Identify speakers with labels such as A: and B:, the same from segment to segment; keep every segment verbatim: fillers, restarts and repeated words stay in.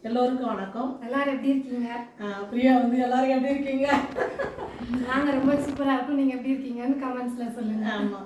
A: எல்லோருக்கும் வணக்கம்.
B: எல்லாரும் எப்படி இருக்கீங்க?
A: பிரியா வந்து எல்லாரும் எப்படி இருக்கீங்க?
B: நாங்க ரொம்ப சூப்பரா இருக்கோம். நீங்க எப்படி இருக்கீங்கன்னு கமெண்ட்ஸ்ல சொல்லுங்க.
A: ஆமா,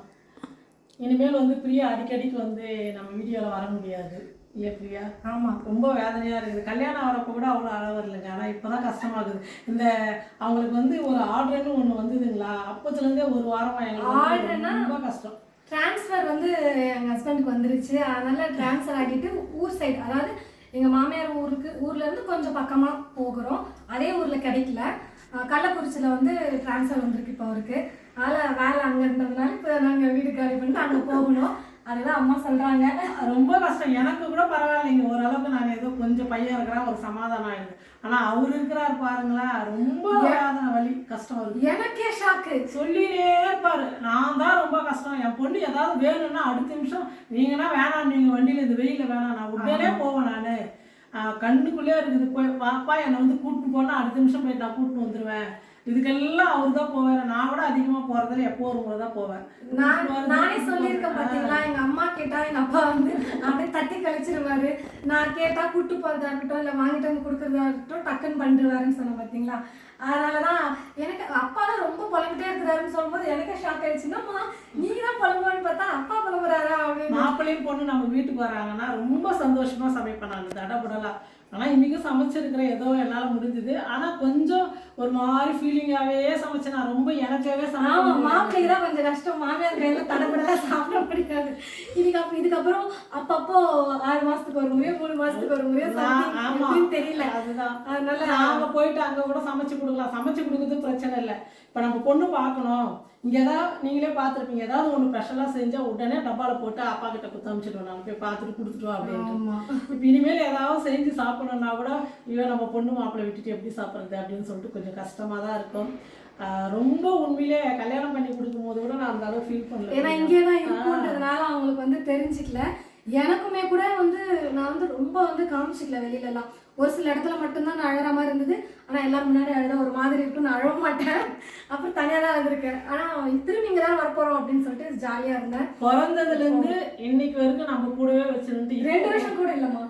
A: இனிமேல் வந்து பிரியா அடிக்கடிக்கு வந்து நம்ம வீடியோவில் வர முடியாது இல்லையா பிரியா?
B: ஆமாம்,
A: ரொம்ப வேதனையாக இருக்குது. கல்யாணம் ஆகிறப்ப கூட அவ்வளோ அழ வரலைங்க. ஆனால் இப்போ தான் கஷ்டமாகுது. இந்த அவங்களுக்கு வந்து ஒரு ஆர்டர்னு ஒன்று வந்ததுங்களா, அப்போத்துலேருந்தே ஒரு வாரமாக எங்களுக்கு
B: ஆர்டர்னா
A: ரொம்ப கஷ்டம்.
B: டிரான்ஸ்ஃபர் வந்து எங்கள் ஹஸ்பண்டுக்கு வந்துருச்சு. அதனால டிரான்ஸ்ஃபர் ஆகிட்டு ஊர் சைடு, அதாவது எங்கள் மாமியார் ஊருக்கு ஊர்லேருந்து கொஞ்சம் பக்கமாக போகிறோம். அதே ஊரில் கிடைக்கல. கள்ளக்குறிச்சியில் வந்து டிரான்ஸ்ஃபர் வந்திருக்கு இப்போ அவருக்கு. அதனால் வேலை அங்கே இருந்ததுனால இப்போ நாங்கள் வீடு காலி பண்ணிட்டு அங்கே போகணும். அதுதான் அம்மா சொல்கிறாங்க.
A: ரொம்ப கஷ்டம். எனக்கு கூட பரவாயில்லைங்க, ஓரளவுக்கு நான் ஏதோ கொஞ்சம் பையன் இருக்கிறேன், ஒரு சமாதானம் ஆயிடுது. ஆனால் அவர் இருக்கிறார் பாருங்களா, ரொம்ப வேதனை வலி கஷ்டம் வருது.
B: எனக்கே ஷாக்கு.
A: சொல்லினே இருப்பாரு, நான் தான் ரொம்ப கஷ்டம். என் பொண்ணு ஏதாவது வேணும்னா அடுத்த நிமிஷம் நீங்கன்னா வேணாம், நீங்கள் வண்டியில் இந்த வெயிலில் வேணாம், நான் உடனே போவேன். நான் கண்ணுக்குள்ளே இருக்குது, போய் பாப்பா என்னை வந்து கூப்பிட்டு போனால் அடுத்த நிமிஷம் போய் நான் கூப்பிட்டு வந்துடுவேன். இதுக்கெல்லாம் அவர் தான் போவார். நான் கூட அதிகமாக போகிறதில்ல, எப்போ ஒரு முறை தான் போவேன்.
B: நான் நானே சொல்லியிருக்கேன் பார்த்தீங்களா, எங்கள் அம்மா கேட்டால் எங்கள் அப்பா வந்து அப்படியே தட்டி கழிச்சிருவாரு. நான் கேட்டால் கூட்டு போகிறதா இருக்கட்டும், இல்லை வாங்கிட்டு வந்து கொடுக்குறதா இருக்கட்டும், டக்குன்னு பண்ணிடுவாருன்னு சொன்னேன் பார்த்தீங்களா. அதனால தான் எனக்கு அப்பா தான் ரொம்ப புலம்பிட்டே இருக்கிறாருன்னு சொல்லும்போது எனக்கே ஷாக் ஆயிடுச்சுன்னா, நீ தான் புலம்புவான்னு பார்த்தா அப்பா புலம்புறாரா அப்படின்னு.
A: மாப்பிள்ளையும் பொண்ணு நம்ம வீட்டுக்கு வராங்கன்னா ரொம்ப சந்தோஷமாக சமைப்பேன் நான், தடபுடலாம். ஆனால் இன்றைக்கும் சமைச்சிருக்கிறேன், ஏதோ என்னால் முடிஞ்சுது. ஆனால் கொஞ்சம் ஒரு மாதிரி ஃபீலிங்காகவே சமைச்சேன் நான், ரொம்ப எனக்காகவே
B: சமைச்சேன். மாப்பிள்ளைக்கு தான் கொஞ்சம் கஷ்டம், மாமியார் கையில் தடபுடலாம் சாப்பிட பிடிக்காது. இதுக்கு அப்புறம் இதுக்கப்புறம் அப்பப்போ ஆறு மாதத்துக்கு ஒரு முறையோ மூணு மாதத்துக்கு ஒரு முறையோ ஆமாம் தெரியல. அதுதான், அதனால
A: நாங்கள் போயிட்டு அங்கே கூட சமைச்சு கொடுக்கலாம். சமைச்சு கொடுக்குறது பிரச்சனை இல்லை. இப்போ நம்ம பொண்ணு பார்க்கணும், இங்கே ஏதாவது நீங்களே பார்த்துருப்பீங்க, ஏதாவது ஒன்று ஸ்பெஷலாக செஞ்சால் உடனே டப்பாவில் போட்டு அப்பா கிட்ட கொடுத்து அனுப்பிச்சிடுவோம், நான் போய் பார்த்துட்டு கொடுத்துட்டோம் அப்படின்னு. இப்போ இனிமேல் ஏதாவது செஞ்சு சாப்பிடணுன்னா கூட ஐயோ நம்ம பொண்ணு மாப்பிள்ளை விட்டுட்டு எப்படி சாப்பிட்றது அப்படின்னு சொல்லிட்டு கொஞ்சம் கஷ்டமாக தான் இருக்கும். ரொம்ப உண்மையிலே கல்யாணம் பண்ணி கொடுக்கும் போது கூட நான் அந்த அளவு ஃபீல் பண்ணல.
B: ஏன்னா இங்கே தான் இருக்குன்றதுனால அவங்களுக்கு வந்து தெரிஞ்சிக்கல. எனக்குமே கூட வந்து நான் வந்து ரொம்ப வந்து காமிச்சிக்கல வெளியிலலாம். ஒரு சில இடத்துல மட்டும்தான் நான் அழகிற மாதிரி இருந்தது. ஆனால் எல்லாரும் முன்னாடி அழுத ஒரு மாதிரி இருக்குன்னு அழக மாட்டேன். அப்புறம் தனியாக தான் இருந்திருக்கேன். ஆனால் திரும்பி இங்கே தான் வரப்போகிறோம் அப்படின்னு சொல்லிட்டு ஜாலியாக இருந்தேன்.
A: பிறந்ததுலேருந்து இன்னைக்கு வரைக்கும் நம்ம கூடவே வச்சுருந்து
B: ரெண்டு வருஷம் கூட இல்லைம்மா.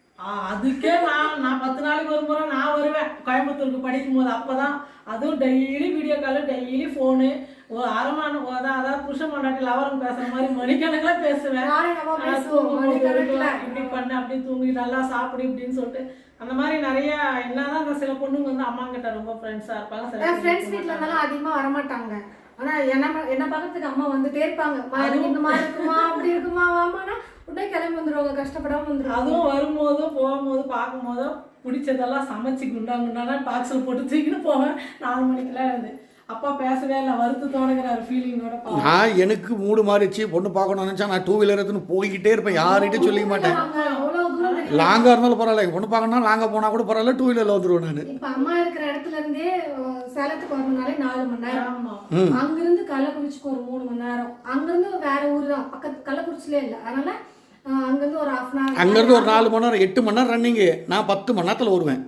A: அதுக்கே நான் நான் பத்து நாளைக்கு ஒரு முறை நான் வருவேன் கோயம்புத்தூருக்கு படிக்கும் போது. அப்போ தான் அதுவும் daily video call, daily phone, ஒரு அரை மணி அதான் அதாவது புருஷன் பொண்டாட்டி லவரம் பேசுகிற மாதிரி மணிக்கணக்கில் பேசுவேன். இப்படி பண்ண அப்படி தூங்கி நல்லா சாப்பிடு இப்படின்னு சொல்லிட்டு அந்த மாதிரி நிறையா. என்னதான் அந்த சில பொண்ணுங்க வந்து அம்மா கிட்ட ரொம்ப ஃப்ரெண்ட்ஸாக இருப்பாங்க. சில
B: ஃப்ரெண்ட்ஸ் வீட்டில் இருந்தாலும் அதிகமாக வரமாட்டாங்க. ஆனால் என்ன என்ன பார்க்கறதுக்கு அம்மா வந்துட்டே இருப்பாங்க. இந்த மாதிரி இருக்குமா அப்படி இருக்குமா வாமானா உடனே கிளம்பி வந்துடுவாங்க, கஷ்டப்படாமல் வந்துடுவாங்க.
A: அதுவும் வரும்போதும் போகும்போது பார்க்கும்போதும் பிடிச்சதெல்லாம் சமைச்சு குண்டா குண்டானா பாக்ஸில் போட்டு தூக்கின்னு போவேன். நாலு மணிக்கெல்லாம் இருந்து அப்பா பேசவே இல்லை, வருத்தத்தோடுங்கிற ஒரு ஃபீலிங்கோட.
C: நான் எனக்கு மூடு மாறிச்சு, பொண்ணு பார்க்கணும்னு நினச்சா நான் டூ வீலர் எடுத்துன்னு போய்கிட்டே இருப்பேன், யார்கிட்டையும் சொல்லிக்க மாட்டேன். லாங்காக இருந்தாலும் பரவாயில்ல, பொண்ணு பார்க்கணும்னா லாங்காக போனால் கூட பரவாயில்ல, டூ வீலரில் வந்துடுவேன் நான்.
B: இப்போ அம்மா இருக்கிற இடத்துல இருந்தே சேலத்துக்கு வரணும்னாலே நாலு மணி நேரம், அங்கிருந்து கள்ளக்குறிச்சிக்கு ஒரு மூணு மணி நேரம், அங்கிருந்து வேற ஊர் தான் பக்கத்து, கள்ளக்குறிச்சிலே இல்லை. அதனால அங்கிருந்து ஒரு ஹாஃப் அன் ஹவர்,
C: அங்கேருந்து ஒரு நாலு மணி நேரம், எட்டு மணி நேரம் ரன்னிங்கு. நான் பத்து மணி நேரத்தில் வருவேன்.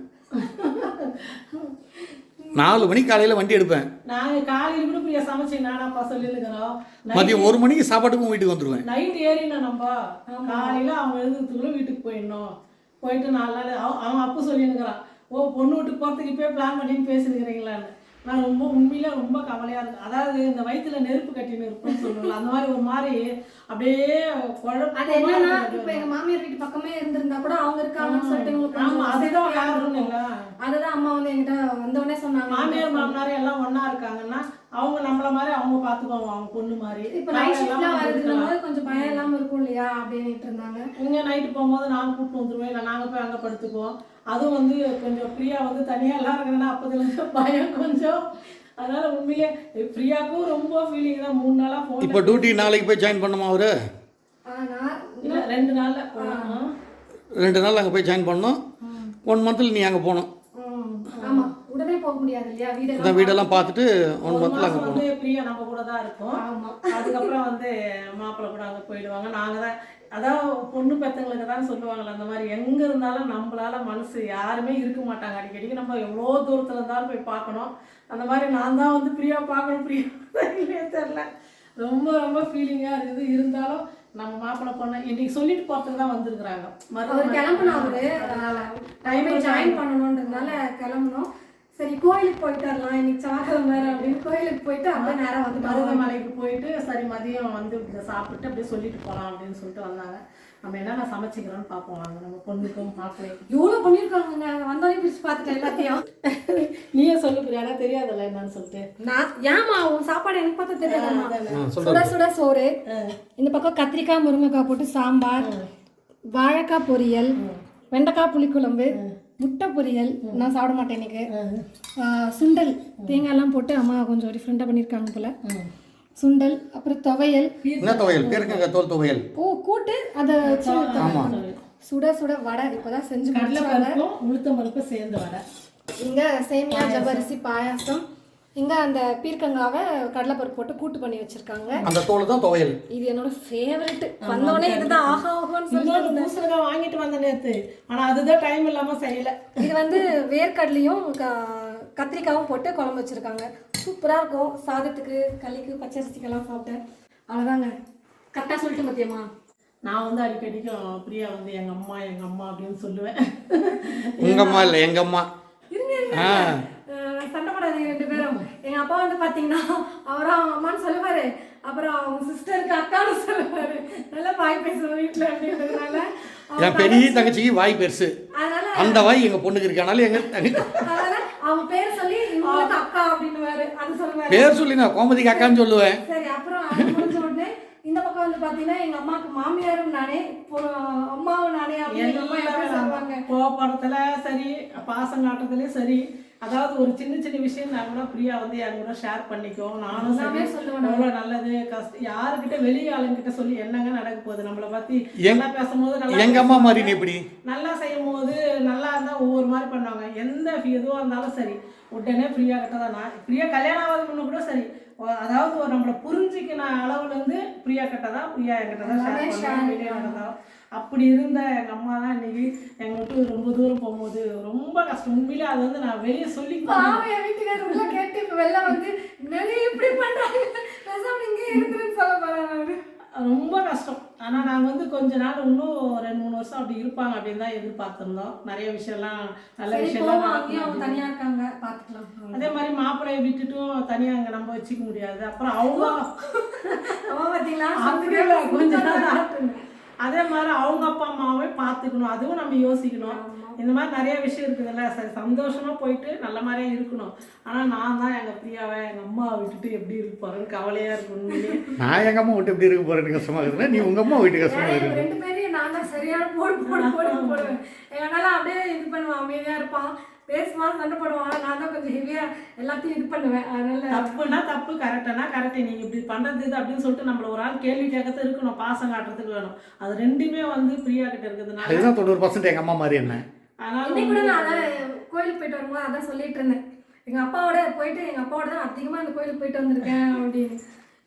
C: நாலு மணிக்கு காலையில் வண்டி எடுப்பேன்.
A: நாங்கள் காலையில் கூட பிரியா சமைச்சு நானாப்பா சொல்லியிருக்கிறோம்.
C: மதியம் ஒரு மணிக்கு சாப்பாட்டுக்கும் வீட்டுக்கு வந்துடுவேன்.
A: நைட் ஏறினா நம்ம காலையில் அவங்க எழுதுறதுக்குள்ள வீட்டுக்கு போயிடணும். போயிட்டு நாலு நாள் அவன் அப்போ சொல்லியிருக்கிறான், ஓ பொண்ணு வீட்டுக்கு போகிறதுக்கு இப்போயே பிளான் பண்ணின்னு பேசினுக்கிறீங்களான்னு. நான் ரொம்ப உண்மையில ரொம்ப கவலையாக இருக்கும். அதாவது இந்த வயிற்றுல நெருப்பு கட்டின்னு இருக்குன்னு சொல்லுவாங்க, அந்த மாதிரி ஒரு மாதிரி அப்படியே குழப்பம்.
B: அது என்னன்னா இப்போ எங்கள் மாமியார் வீட்டு பக்கமே இருந்திருந்தா கூட அவங்க இருக்காங்கன்னு சொல்லிட்டு உங்களுக்கு
A: ஆமாம் அதுதான் யாரும் இல்லை.
B: அதுதான் அம்மா வந்து என்கிட்ட வந்தோடனே சொன்னாங்க,
A: மாமியார் மாமனார் எல்லாம் ஒன்றா இருக்காங்கன்னா அவங்க நம்மள மாதிரி அவங்க பார்த்துக்குவாங்க, அவங்க பொண்ணு மாதிரி.
B: இப்போ நைட் ஷிஃப்ட்லாம் வருதுன்னும் போது கொஞ்சம் பயம் இல்லாமல் இருக்கும் இல்லையா அப்படின்ட்டு இருந்தாங்க.
A: இங்கே நைட்டு போகும்போது நாங்கள் கூப்பிட்டு வந்துடுவோம், இல்லை நாங்கள் போய் அங்கே படுத்துக்குவோம். அதுவும் வந்து கொஞ்சம் ஃப்ரீயா வந்து தனியாக எல்லாம் இருக்கிறேன்னா அப்போதுலேருந்து பயம் கொஞ்சம். அதனால உண்மையிலே ஃப்ரீயாக்கும் ரொம்ப ஃபீலிங் தான். மூணு நாளாக ஃபோன்.
C: இப்போ டியூட்டி நாளைக்கு போய் ஜாயின் பண்ணுமா அவரு?
A: இல்லை ரெண்டு நாளில் போகணும்.
C: ரெண்டு நாள் அங்கே போய் ஜாயின் பண்ணணும். ஒன் மந்த்தில் நீ அங்கே போகணும்.
B: ஆமாம், உடனே போக முடியாது இல்லையா, வீடு
C: வீடெல்லாம் பார்த்துட்டு ஒன் மந்த்தில் அங்கே போகணும்.
A: ஃப்ரீயா நம்ம கூட தான் இருக்கும். அதுக்கப்புறம் வந்து மாப்பிள்ளை கூட அங்கே போயிடுவாங்க. நாங்கள் தான் அதான் பொண்ணு பெற்றவங்களுக்கு தான் சொல்லுவாங்கள்ல, அந்த மாதிரி எங்கே இருந்தாலும் நம்மளால மனசு யாருமே இருக்க மாட்டாங்க. அடிக்கடிக்கு நம்ம எவ்வளோ தூரத்தில் இருந்தாலும் போய் பார்க்கணும். அந்த மாதிரி நான் தான் வந்து பிரியா பார்க்கணும், பிரியா இல்லையே தெரில. ரொம்ப ரொம்ப ஃபீலிங்காக இருக்குது. இருந்தாலும் நம்ம மாப்பிள்ளை பொண்ணு இன்னைக்கு சொல்லிட்டு போறதுக்கு தான் வந்திருக்கிறாங்க.
B: அவர் கிளம்பணும், அவரு டைம் ஜாயின் பண்ணணுன்றதுனால கிளம்பணும். சரி கோயிலுக்கு போயிட்டு வரலாம், இன்னைக்கு செவ்வாய்க்கிழமை வேற அப்படின்னு கோயிலுக்கு போயிட்டு அப்படியே நேரம் வந்து
A: மருதமலைக்கு போயிட்டு சரி மதியம் வந்து இதை சாப்பிட்டு அப்படியே சொல்லிட்டு போகலாம் அப்படின்னு சொல்லிட்டு வந்தாங்க. நம்ம என்னென்ன சமைச்சிக்கிறோன்னு பார்ப்போம் வாங்க. நம்ம பொண்ணுக்கும் மாப்பிள்ளைக்கும்
B: எவ்வளோ பண்ணியிருக்காங்க, வந்தோடனே பிரிச்சு பார்த்துட்டேன் எல்லாத்தையும்.
A: நீயே சொல்லு பிரியாணா, தெரியாதுல்ல என்னன்னு சொல்லிட்டு.
B: நான் ஏமா உன் சாப்பாடு எனக்கு பார்த்தா தெரியாதுமா. சுட சுட சோறு, இந்த பக்கம் கத்திரிக்காய் முருங்கைக்காய் போட்டு சாம்பார், வாழைக்காய் பொரியல், வெண்டைக்காய் புளிக்குழம்பு, முட்டை பொரியல். நான் சாப்பிட மாட்டேன் இன்னைக்கு. சுண்டல் தேங்காய்லாம் போட்டு அம்மா கொஞ்சம் டிஃப்ரெண்ட்டாக பண்ணியிருக்காங்க போல. சுண்டல், அப்புறம் துவையல்.
C: என்ன துவையல்? பேருக்குங்க தோல் துவையல்.
B: ஓ கூட்டு, அதை சுட சுட வடை இப்போதான் செஞ்சு
A: கடலைப்பருப்பும் உளுத்தம் பருப்பும் சேர்ந்து வடை.
B: இங்க சேமியா ஜவ்வரிசி பாயாசம், இங்க அந்த பீர்க்கங்காவை கடலைப்பருப்பு போட்டு கூட்டு பண்ணி வச்சிருக்காங்க.
C: அந்த தோல் தான் துவையல்.
B: இது என்னோட ஃபேவரட். வந்தோடனே இதுதான் ஆஹா ஆஹான்னு
A: இன்னொரு பூசணிக்காய் வாங்கிட்டு வந்த நேத்து, ஆனா அதுதான் டைம் இல்லாம செய்யல.
B: இது வந்து வேர்க்கடலையும் கத்திரிக்காயும் போட்டு குழம்பு வச்சிருக்காங்க. சூப்பரா இருக்கும். சாதத்துக்கு களிக்கு பச்சரிசிக்கெல்லாம் சாப்பிட்டேன். அவ்வளோதாங்க. கரெக்டாக சொல்லிட்டு மத்தியமா.
A: நான் வந்து அடிக்கடிக்கும் பிரியா வந்து எங்க அம்மா எங்க அம்மா அப்படின்னு சொல்லுவேன்.
C: உங்க அம்மா இல்லை எங்க அம்மா.
B: சண்டை போடாதீங்க ரெண்டு பேரும். எங்க அப்பா வந்து பாத்தீங்கன்னா அவரும் அவங்க அம்மான்னு சொல்லுவாரு, அப்புறம் அவங்க சிஸ்டருக்கு அக்கான்னு சொல்லுவாரு. நல்லா வாய் பேசுவோம் வீட்டுல அப்படின்றதுனால.
C: என் பெரிய தங்கச்சிக்கு வாய் பெருசு,
B: அதனால
C: அந்த வாய் எங்க பொண்ணுக்கு இருக்கனால எங்க
B: அதனால அவங்க பேர் சொல்லி இவங்களுக்கு அக்கா அப்படின்னு அது சொல்லுவாரு.
C: பேர் சொல்லி நான் கோமதிக்கு அக்கான்னு சொல்லுவேன்.
B: சரி, அப்புறம் அது முடிஞ்ச உடனே இந்த பக்கம் வந்து பாத்தீங்கன்னா எங்க அம்மாவுக்கு மாமியாரும் நானே, அம்மாவும் நானே அப்படின்னு அம்மா எப்படி சொல்லுவாங்க.
A: கோபப்படத்துல சரி, பாசம் காட்டுறதுலயும் சரி, அதாவது ஒரு சின்ன சின்ன விஷயம் நான் கூட பிரியா வந்து என் கூட ஷேர் பண்ணிக்கும். நானும் சொல்லுவேன் எவ்வளோ நல்லது கஷ்டம். யாருக்கிட்ட வெளியே ஆளுங்கிட்ட சொல்லி என்னங்க நடக்க போகுது, நம்மளை பத்தி நல்லா பேசும்போது நல்லா
C: எங்க அம்மா மாதிரி இப்படி
A: நல்லா செய்யும் போது நல்லா இருந்தால் ஒவ்வொரு மாதிரி பண்ணுவாங்க. எந்த எதுவாக இருந்தாலும் சரி உடனே பிரியா கிட்ட தான். நான் பிரியா கல்யாணம் ஆகாத முன்ன கூட சரி, அதாவது ஒரு நம்மளை புரிஞ்சுக்கின அளவுலேருந்து பிரியா கிட்ட தான் பிரியா என்கிட்ட தான் ஷேர் பண்ணுவேன் வெளியே நடந்தாலும். அப்படி இருந்த எங்கள் அம்மா தான் இன்னைக்கு எங்களை விட்டு ரொம்ப தூரம் போகும்போது ரொம்ப கஷ்டம். உண்மையிலே அது வந்து நான் வெளியே சொல்லி
B: வீட்டுக்காரர் உள்ள கேட்டு இப்போ வெளில வந்து நிறைய இப்படி பண்ணுறாங்க இங்கே இருக்குன்னு சொல்ல போகிறாங்க.
A: ரொம்ப கஷ்டம். ஆனால் நாங்கள் வந்து கொஞ்ச நாள் இன்னும் ரெண்டு மூணு வருஷம் அப்படி இருப்பாங்க அப்படின்னு தான் எதிர்பார்த்துருந்தோம். நிறைய விஷயம்லாம் நல்ல விஷயம்லாம்
B: தனியாக இருக்காங்க பார்த்துக்கலாம்.
A: அதே மாதிரி மாப்பிள்ளையை விட்டுட்டும் தனியாக அங்கே நம்ம வச்சுக்க முடியாது. அப்புறம் அவங்க
B: பார்த்தீங்களா
A: கொஞ்ச நாள் ஆட்டுங்க. அதே மாதிரி அவங்க அப்பா அம்மாவே பார்த்துக்கணும், அதுவும் நம்ம யோசிக்கணும். இந்த மாதிரி நிறைய விஷயம் இருக்குதுல்ல. சரி சந்தோஷமா போயிட்டு நல்ல மாதிரியே இருக்கணும். ஆனால் நான் தான் எங்கள் பிரியாவை எங்கள் அம்மாவை விட்டுட்டு எப்படி இருக்க போறேன்னு கவலையா இருக்கணும்.
C: நான் எங்க அம்மா விட்டு எப்படி இருக்க போறேன்னு கஷ்டமா இருக்குதுன்னா நீ உங்க அம்மா வீட்டு கஷ்டமா இருக்கு.
B: ரெண்டு பேரையும் நான் தான் சரியான போடு போடு போடு போடுவேன். எங்கனால அப்படியே இது பண்ணுவான், அமைதியா இருப்பான், பேசுவான், சண்டை போடுவான். நான் தான் கொஞ்சம் ஹெவியா எல்லாத்தையும் இது பண்ணுவேன். அதனால
A: தப்புனா தப்பு, கரெக்டானா கரெக்டு. நீங்க இப்படி பண்றது இது அப்படின்னு சொல்லிட்டு நம்மள ஒரு ஆள் கேள்வி கேட்கறது இருக்கணும், பாசம் காட்டுறதுக்கு வேணும். அது ரெண்டுமே வந்து பிரியா கிட்ட இருக்குதுனால
C: அதுதான் தொண்ணூறு பர்சன்ட் எங்க அம்மா மாதிரி என்ன.
B: இன்னைக்கு கூட நான் கோயிலுக்கு போயிட்டு வரும்போது அதான் சொல்லிட்டு இருந்தேன். எங்க அப்பாவோட போயிட்டு எங்க அப்பாவோட தான் அதிகமா இந்த கோயிலுக்கு போயிட்டு வந்திருக்கேன் அப்படின்னு.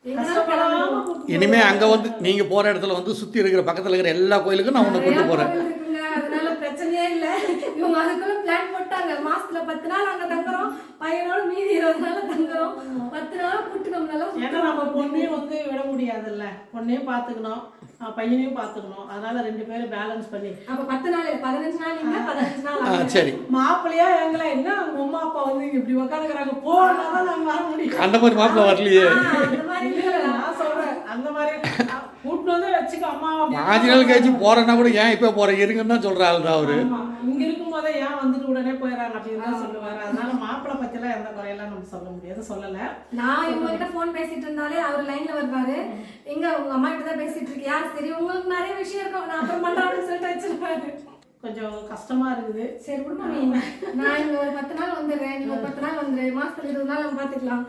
C: இனிமே அங்க வந்து நீங்க போற இடத்துல வந்து சுத்தி இருக்கிற பக்கத்துல இருக்கிற எல்லா கோயிலுக்கும் நான் உன்னை கூட்டு போறேன்.
B: அதனால பிரச்சனையே இல்லை. இவங்க அதுக்குள்ள பிளான் போட்டாங்க. மாசத்துல பத்து நாள் அங்க தங்குறோம், பையனோட மீதி இருபது நாள் தங்குறோம், பத்து நாள் கூட்டு நம்மளால.
A: ஏன்னா நம்ம பொண்ணையும் வந்து விட முடியாதுல்ல, பொண்ணையும் பார்த்துக்கணும் பையனையும் பார்த்துக்கணும். அதனால ரெண்டு பேரும் பேலன்ஸ் பண்ணி
B: அப்ப பத்து நாள் பதினஞ்சு நாள் இங்க பதினஞ்சு நாள்
C: சரி.
A: மாப்பிள்ளையா எங்களை என்ன அவங்க அம்மா அப்பா வந்து இப்படி உட்காந்துக்கிறாங்க போனாதான் நாங்க வர முடியும்.
C: அந்த மாதிரி மாப்பிள்ளை வரலையே.
B: அந்த மாதிரி
A: நான் சொல்றேன் அந்த மாதிரி கூட்டு வந்து வச்சுக்க அம்மா
C: பாஞ்சு நாள் கழிச்சு போறேன்னா கூட ஏன் இப்ப போறேன் இருங்கன்னு தான் சொல்ற ஆள் தான் அவரு.
A: இங்க இருக்கும் போதே ஏன் வந்துட்டு உடனே போயிடறாங்க அப்படின்னு தான் சொல்லுவாரு. அதனால மாப்பிள்ளை பத்தி எல்லாம் எந்த குறையெல்லாம் நம்ம சொல்ல முடியாது, சொல்லல.
B: நான் இவங்க கிட்ட போன் பேசிட்டு இருந்தாலே அவர் லைன்ல வருவாரு. எங்க உங்க அம்மா கிட்ட தான் பேசிட்டு இருக்கியா, சரி உங்களுக்கு நிறைய விஷயம் இருக்கும் நான் அப்புறம் பண்றேன் அப்படின்னு சொல்லிட்டு வச்சிருப்பாரு.
A: கொஞ்சம் கஷ்டமா இருக்குது.
B: சரி விடுமா, நான் இங்க ஒரு பத்து நாள் வந்துடுறேன், நீங்க ஒரு பத்து நாள் வந்துரு, மாசத்துல இருபது நாள் நம்ம பாத்துக்கலாம்.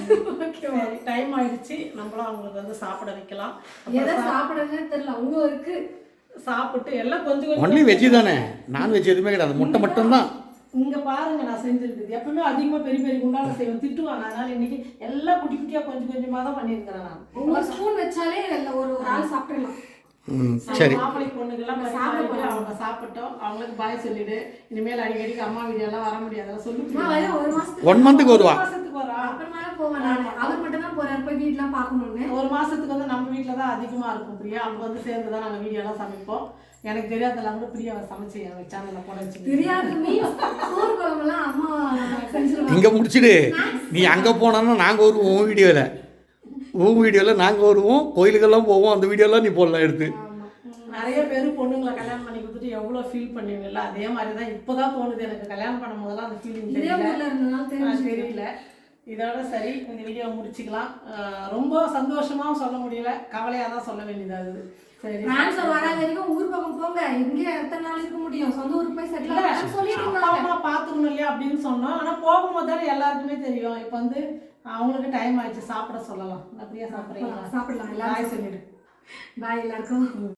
A: டைம் ஆயிடுச்சு, நம்மளும் அவங்களுக்கு வந்து சாப்பிட வைக்கலாம்.
B: எதை சாப்பிடுறதுன்னு தெரியல உங்களுக்கு.
A: சாப்பிட்டு எல்லாம் கொஞ்சம் கொஞ்சம்
C: ஒன்லி வெஜ் தானே, நான் வெஜ் எதுவுமே கிடையாது, முட்டை மட்டும்தான்.
A: இங்க பாருங்க நான் செஞ்சிருக்குது. எப்பவுமே அதிகமா பெரிய பெரிய குண்டால செய்வேன், திட்டுவாங்க. அதனால இன்னைக்கு எல்லாம் குட்டி குட்டியா கொஞ்சம் கொஞ்சமா தான் பண்ணிருக்கிறேன் நான்.
B: ஒரு ஸ்பூன் வச்சாலே ஒரு ஒரு ஆள் சாப்பிடலாம்.
C: சரி,
A: மாப்பிள்ளை பொண்ணுக்கெல்லாம் சாப்பிட்டு அவங்க சாப்பிட்டோம். அவங்களுக்கு பாய் சொல்லிடு. இனிமேல் அடிக்கடிக்கு அம்மா வீடியோ எல்லாம் வர முடியாது சொல்லி
C: ஒன் மந்த்துக்கு வருவா.
A: மாசத்துக்கு போறா
B: அப்புறமா போவேன் நான். அவர் மட்டும் தான் போறாரு போய் வீட்டுலாம் பார்க்கணும்னு.
A: ஒரு மாசத்துக்கு வந்து நம்ம வீட்டில் தான் அதிகமா இருக்கும் பிரியா. அப்போ வந்து சேர்ந்து தான் நாங்கள் வீடியோலாம் சமைப்போம். எனக்கு தெரியாதெல்லாம் கூட பிரியாவை சமைச்சு என் சேனலில் போட வச்சு
B: தெரியாது மீன்ஸ் சோறு குழம்புலாம் அம்மா செஞ்சிருவாங்க.
C: இங்கே முடிச்சுடு, நீ அங்கே போனான்னா நாங்கள் வருவோம் உன் வீடியோவில். உன் வீடியோவில் நாங்கள் வருவோம், கோயிலுக்கெல்லாம் போவோம், அந்த வீடியோலாம் நீ போடலாம் எடுத்து.
A: நிறைய பேர் பொண்ணுங்களை கல்யாணம் பண்ணி கொடுத்துட்டு எவ்வளோ ஃபீல் பண்ணுவீங்கல்ல, அதே மாதிரி தான் இப்போ தான் தோணுது எனக்கு. கல்யாணம் பண்ணும் போதெல்லாம் அந்த ஃபீலிங்
B: இதே
A: தெரியல
B: ஊர்ல இருந்தனால தெரியும்.
A: தெரியல. இதோட சரி, இந்த வீடியோ முடிச்சுக்கலாம். ரொம்ப சந்தோஷமாகவும் சொல்ல முடியல, கவலையாக தான் சொல்ல வேண்டியதாகுது. சரி,
B: ட்ரான்ஸ்ஃபர் வராத வரைக்கும் ஊர் பக்கம் போங்க, இங்கே எத்தனை நாள் இருக்க முடியும், சொந்த ஊருக்கு போய் செட்டில் ஆகலாம்னு சொல்லிட்டு
A: அப்பா
B: இருந்தாங்க.
A: அம்மா பார்த்துக்கணும் இல்லையா அப்படின்னு சொன்னோம். ஆனால் போகும்போது தானே எல்லாருக்குமே தெரியும். இப்போ வந்து அவங்களுக்கு டைம் ஆயிடுச்சு, சாப்பிட சொல்லலாம். அப்படியே சாப்பிட்றீங்களா?
B: சாப்பிடலாம் எல்லாரும்.
A: பாய் சொல்லிடு.
B: பாய் எல்லாருக்கும்.